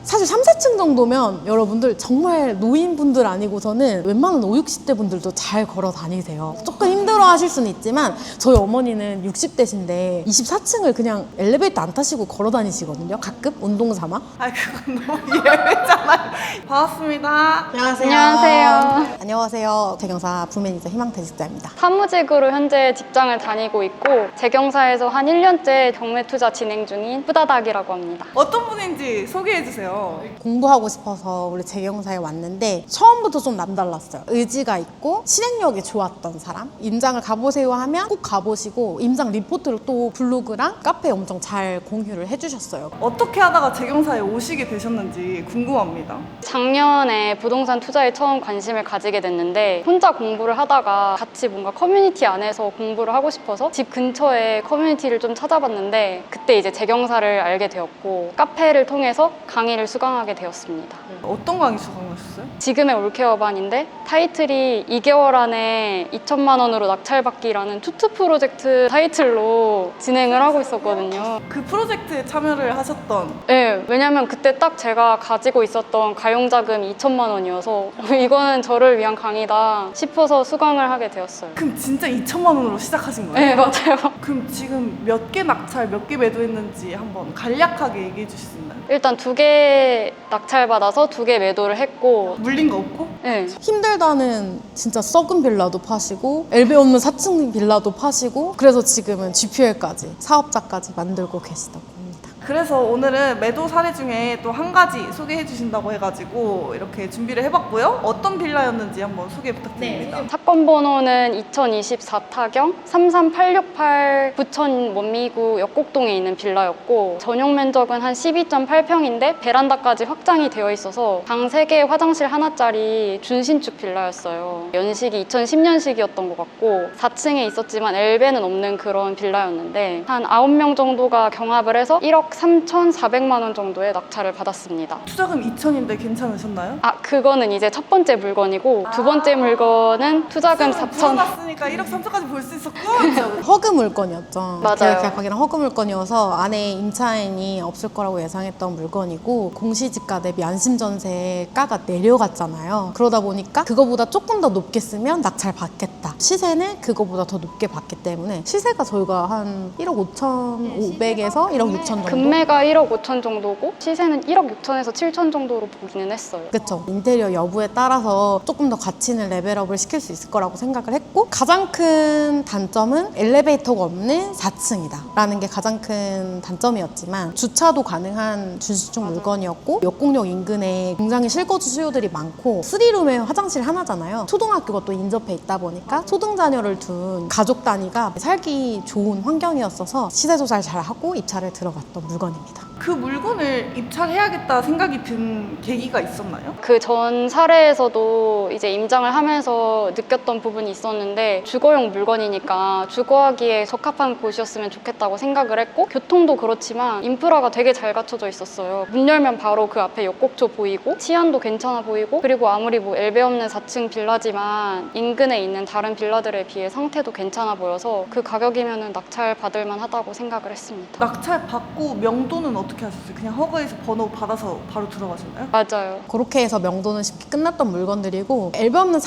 사실 3, 4층 정도면 여러분들 정말 노인분들 아니고서는 웬만한 5, 60대 분들도 잘 걸어 다니세요. 조금 힘들어 하실 수는 있지만 저희 어머니는 60대신데 24층을 그냥 엘리베이터 안 타시고 걸어 다니시거든요. 가끔 운동 삼아. 아, 그건 너무 예외잖아요. 반갑습니다. 안녕하세요. 안녕하세요. 재경사 부매니저 희망퇴직자입니다. 사무직으로 현재 직장을 다니고 있고 재경사에서 한 1년째 경매 투자 진행 중인 후다닥이라고 합니다. 어떤 분인지 소개해주세요. 공부하고 싶어서 원래 재경사에 왔는데 처음부터 좀 남달랐어요. 의지가 있고 실행력이 좋았던 사람. 임장을 가보세요 하면 꼭 가보시고 임장 리포트를 또 블로그랑 카페에 엄청 잘 공유를 해주셨어요. 어떻게 하다가 재경사에 오시게 되셨는지 궁금합니다. 작년에 부동산 투자에 처음 관심을 가지게 됐는데 혼자 공부를 하다가 같이 뭔가 커뮤니티 안에서 공부를 하고 싶어서 집 근처에 커뮤니티를 좀 찾아봤는데 그때 이제 재경사를 알게 되었고 카페를 통해서 강의를 수강하게 되었습니다. 어떤 강의 수강하셨어요? 지금의 올케어반인데 타이틀이 2개월 안에 2천만 원으로 낙찰받기라는 투트 프로젝트 타이틀로 진행을 하고 있었거든요. 그 프로젝트에 참여를 하셨던 네, 왜냐면 그때 딱 제가 가지고 있었던 가용자금이 2천만 원이어서 이거는 저를 위한 강의다 싶어서 수강을 하게 되었어요. 그럼 진짜 2천만 원으로 시작하신 거예요? 네, 맞아요. 그럼 지금 몇 개 낙찰, 몇 개 매도했는지 한번 간략하게 얘기해 주실 수 있나요? 일단 2개 낙찰받아서 2개 매도를 했고 물린 거 없고? 네, 힘들다는 진짜 썩은 빌라도 파시고 엘베 없는 4층 빌라도 파시고 그래서 지금은 GPL까지 사업자까지 만들고 계시다고 합니다. 그래서 오늘은 매도 사례 중에 또 한 가지 소개해 주신다고 해가지고 이렇게 준비를 해봤고요. 어떤 빌라였는지 한번 소개 부탁드립니다. 사건 번호는 2024 타경 33868 부천 원미구 역곡동에 있는 빌라였고 전용 면적은 한 12.8평인데 베란다까지 확장이 되어 있어서 방 3개 화장실 하나짜리 준신축 빌라였어요. 연식이 2010년식이었던 것 같고 4층에 있었지만 엘베는 없는 그런 빌라였는데 한 9명 정도가 경합을 해서 1억 3,400만 원 정도의 낙찰을 받았습니다. 투자금 2천인데 괜찮으셨나요? 아, 그거는 이제 첫 번째 물건이고 두 번째 물건은 투자금 4천. 불어났으니까 1억 3천까지 볼 수 있었군. 허그 물건이었죠. 맞아요. 계약하기랑 허그 물건이어서 안에 임차인이 없을 거라고 예상했던 물건이고 공시지가 대비 안심전세가가 내려갔잖아요. 그러다 보니까 그거보다 조금 더 높게 쓰면 낙찰 받겠다. 시세는 그거보다 더 높게 받기 때문에 시세가 저희가 한 1억 5,500에서 1억 6천 정도? 금매가 1억 5천 정도고 시세는 1억 6천에서 7천 정도로 보기는 했어요. 그쵸. 인테리어 여부에 따라서 조금 더 가치는 레벨업을 시킬 수 있을 거라고 생각을 했고 가장 큰 단점은 엘리베이터가 없는 4층이다 라는 게 가장 큰 단점이었지만 주차도 가능한 준신축 물건이었고 역공역 인근에 굉장히 실거주 수요들이 많고 3룸에 화장실 하나잖아요. 초등학교가 또 인접해 있다 보니까 초등 자녀를 둔 가족 단위가 살기 좋은 환경이었어서 시세 조사를 잘 하고 입찰을 들어갔던 물건입니다. 그 물건을 입찰해야겠다 생각이 든 계기가 있었나요? 그 전 사례에서도 이제 임장을 하면서 느꼈던 부분이 있었는데 주거용 물건이니까 주거하기에 적합한 곳이었으면 좋겠다고 생각을 했고 교통도 그렇지만 인프라가 되게 잘 갖춰져 있었어요. 문 열면 바로 그 앞에 역곡초 보이고 치안도 괜찮아 보이고 그리고 아무리 뭐 엘베 없는 4층 빌라지만 인근에 있는 다른 빌라들에 비해 상태도 괜찮아 보여서 그 가격이면 낙찰 받을 만하다고 생각을 했습니다. 낙찰 받고 명도는 어떻게 하셨어요? 그냥 허가에서 번호 받아서 바로 들어가셨나요? 맞아요. 그렇게 해서 명도는 쉽게 끝났던 물건들이고 엘베 없는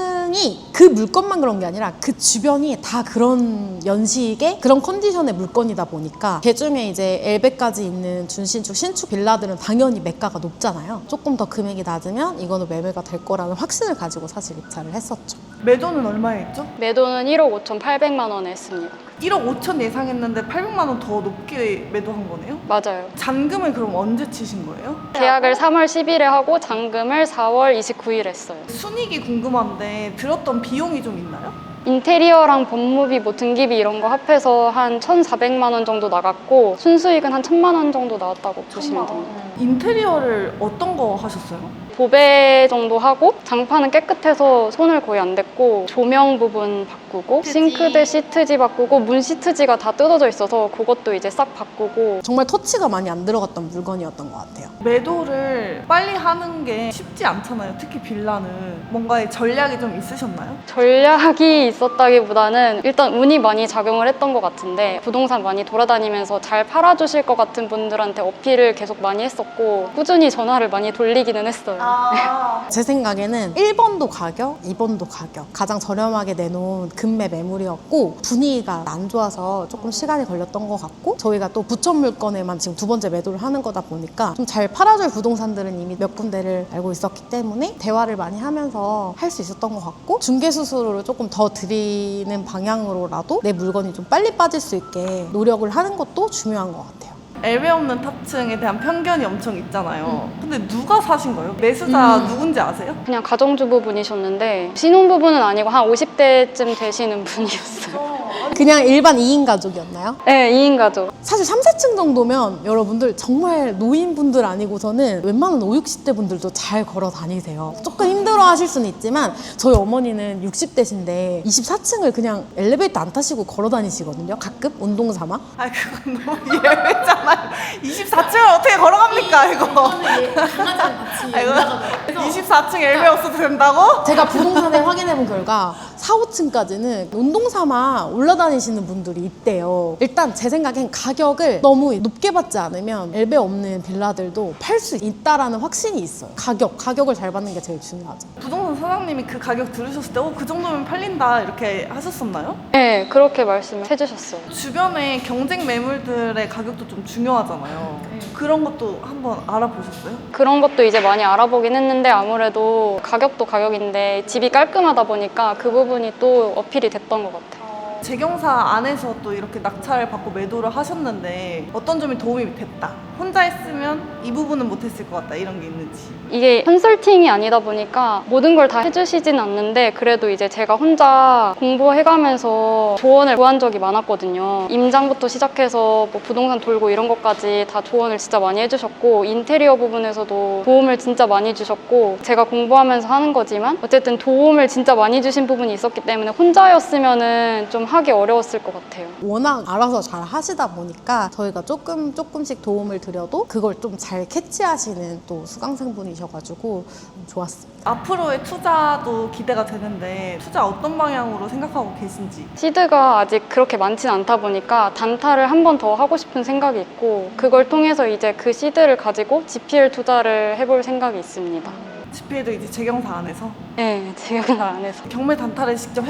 4층이 그 물건만 그런 게 아니라 그 주변이 다 그런 연식의 그런 컨디션의 물건이다 보니까 그중에 이제 엘베까지 있는 준신축, 신축 빌라들은 당연히 매가가 높잖아요. 조금 더 금액이 낮으면 이거는 매매가 될 거라는 확신을 가지고 사실 입찰을 했었죠. 매도는 얼마에 했죠? 매도는 1억 5,800만 원에 했습니다. 1억 5천 예상했는데 800만 원 더 높게 매도한 거네요? 맞아요. 잔금을 그럼 언제 치신 거예요? 계약을 3월 10일에 하고 잔금을 4월 29일 했어요. 순익이 궁금한데 들었던 비용이 좀 있나요? 인테리어랑 법무비, 뭐 등기비 이런 거 합해서 한 1,400만 원 정도 나갔고 순수익은 한 1,000만 원 정도 나왔다고 보시면 됩니다. 인테리어를 어떤 거 하셨어요? 도배 정도 하고 장판은 깨끗해서 손을 거의 안 댔고 조명 부분 바꾸고 싱크대 시트지 바꾸고 문 시트지가 다 뜯어져 있어서 그것도 이제 싹 바꾸고 정말 터치가 많이 안 들어갔던 물건이었던 것 같아요. 매도를 빨리 하는 게 쉽지 않잖아요. 특히 빌라는. 뭔가의 전략이 좀 있으셨나요? 전략이 있었다기보다는 일단 운이 많이 작용을 했던 것 같은데 부동산 많이 돌아다니면서 잘 팔아주실 것 같은 분들한테 어필을 계속 많이 했었고 꾸준히 전화를 많이 돌리기는 했어요. 제 생각에는 1번도 가격, 2번도 가격. 가장 저렴하게 내놓은 금매 매물이었고 분위기가 안 좋아서 조금 시간이 걸렸던 것 같고 저희가 또 부천 물건에만 지금 두 번째 매도를 하는 거다 보니까 좀 잘 팔아줄 부동산들은 이미 몇 군데를 알고 있었기 때문에 대화를 많이 하면서 할 수 있었던 것 같고 중개 수수료를 조금 더 드리는 방향으로라도 내 물건이 좀 빨리 빠질 수 있게 노력을 하는 것도 중요한 것 같아요. 엘베 없는 탑층에 대한 편견이 엄청 있잖아요. 근데 누가 사신 거예요? 매수자 누군지 아세요? 그냥 가정주부분이셨는데 신혼부부는 아니고 한 50대쯤 되시는 분이었어요. 그냥 일반 2인 가족이었나요? 네, 2인 가족. 사실 3, 4층 정도면 여러분들 정말 노인분들 아니고서는 웬만한 5, 60대 분들도 잘 걸어 다니세요. 조금 힘들어 하실 수는 있지만 저희 어머니는 60대신데 24층을 그냥 엘리베이터 안 타시고 걸어 다니시거든요. 가끔 운동 삼아. 아 그건 너무 예외잖아요. 24층을 어떻게 걸어갑니까 이거? 이거 24층 엘베 없어도 된다고? 제가 부동산에 확인해본 결과 4, 5층까지는 운동 삼아 올라다니시는 분들이 있대요. 일단 제 생각엔 가격을 너무 높게 받지 않으면 엘베 없는 빌라들도 팔 수 있다라는 확신이 있어요. 가격을 잘 받는 게 제일 중요하죠. 부동산 사장님이 그 가격 들으셨을 때 그 정도면 팔린다 이렇게 하셨었나요? 네, 그렇게 말씀을 해주셨어요. 주변에 경쟁 매물들의 가격도 좀 중요하잖아요. 그런 것도 한번 알아보셨어요? 그런 것도 이제 많이 알아보긴 했는데 아무래도 가격도 가격인데 집이 깔끔하다 보니까 그 부분이 또 어필이 됐던 것 같아요. 재경사 안에서 또 이렇게 낙찰을 받고 매도를 하셨는데 어떤 점이 도움이 됐다. 혼자 했으면 이 부분은 못했을 것 같다 이런 게 있는지. 이게 컨설팅이 아니다 보니까 모든 걸 다 해주시진 않는데 그래도 이제 제가 혼자 공부해가면서 조언을 구한 적이 많았거든요. 임장부터 시작해서 뭐 부동산 돌고 이런 것까지 다 조언을 진짜 많이 해주셨고 인테리어 부분에서도 도움을 진짜 많이 주셨고 제가 공부하면서 하는 거지만 어쨌든 도움을 진짜 많이 주신 부분이 있었기 때문에 혼자였으면은 좀 하기 어려웠을 것 같아요. 워낙 알아서 잘 하시다 보니까 저희가 조금씩 도움을 드려도 그걸 좀 잘 캐치하시는 또 수강생분이셔가지고 좋았습니다. 앞으로의 투자도 기대가 되는데 투자 어떤 방향으로 생각하고 계신지. 시드가 아직 그렇게 많진 않다 보니까 단타를 한 번 더 하고 싶은 생각이 있고 그걸 통해서 이제 그 시드를 가지고 GPL 투자를 해볼 생각이 있습니다. GPL도 이제 재경사 안에서 네, 지금 안에서. 경매 단타를 직접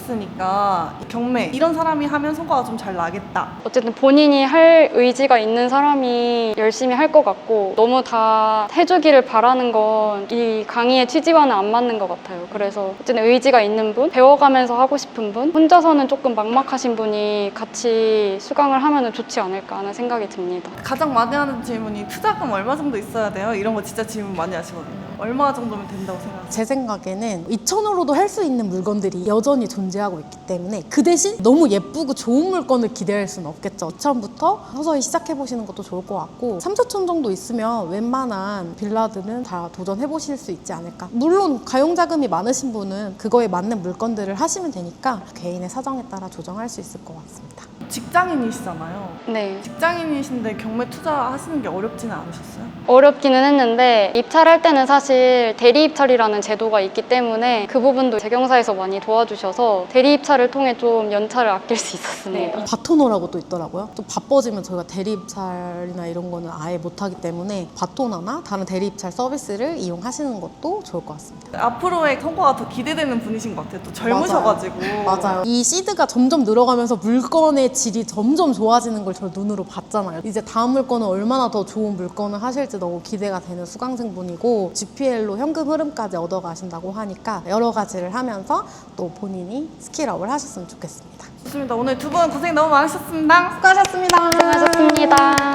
해보셨으니까 경매 이런 사람이 하면 성과가 좀 잘 나겠다. 어쨌든 본인이 할 의지가 있는 사람이 열심히 할 것 같고 너무 다 해주기를 바라는 건 이 강의의 취지와는 안 맞는 것 같아요. 그래서 어쨌든 의지가 있는 분, 배워가면서 하고 싶은 분, 혼자서는 조금 막막하신 분이 같이 수강을 하면 좋지 않을까 하는 생각이 듭니다. 가장 많이 하는 질문이 투자금 얼마 정도 있어야 돼요? 이런 거 진짜 질문 많이 하시거든요. 얼마 정도면 된다고 생각하세요? 제 생각에는 2,000으로도 할 수 있는 물건들이 여전히 존재하고 있기 때문에 그 대신 너무 예쁘고 좋은 물건을 기대할 수는 없겠죠. 2,000부터 서서히 시작해보시는 것도 좋을 것 같고 3, 4천 정도 있으면 웬만한 빌라들은 다 도전해보실 수 있지 않을까. 물론 가용자금이 많으신 분은 그거에 맞는 물건들을 하시면 되니까 개인의 사정에 따라 조정할 수 있을 것 같습니다. 직장인이시잖아요. 네. 직장인이신데 경매 투자하시는 게 어렵지는 않으셨어요? 어렵기는 했는데 입찰할 때는 사실 대리 입찰이라는 제도가 있기 때문에 그 부분도 재경사에서 많이 도와주셔서 대리 입찰을 통해 좀 연차를 아낄 수 있었습니다. 바토너라고 또 있더라고요. 좀 바빠지면 저희가 대리 입찰이나 이런 거는 아예 못하기 때문에 바토너나 다른 대리 입찰 서비스를 이용하시는 것도 좋을 것 같습니다. 앞으로의 성과가 더 기대되는 분이신 것 같아요. 또 젊으셔가지고. 맞아요. 이 시드가 점점 늘어가면서 물건의 질이 점점 좋아지는 걸 저 눈으로 봤잖아요. 이제 다음 물건은 얼마나 더 좋은 물건을 하실지 너무 기대가 되는 수강생분이고 GPL로 현금 흐름까지 얻어가신다고 하니까 여러 가지를 하면서 또 본인이 스킬업을 하셨으면 좋겠습니다. 좋습니다. 오늘 두 분 고생 너무 많으셨습니다. 수고하셨습니다. 수고하셨습니다.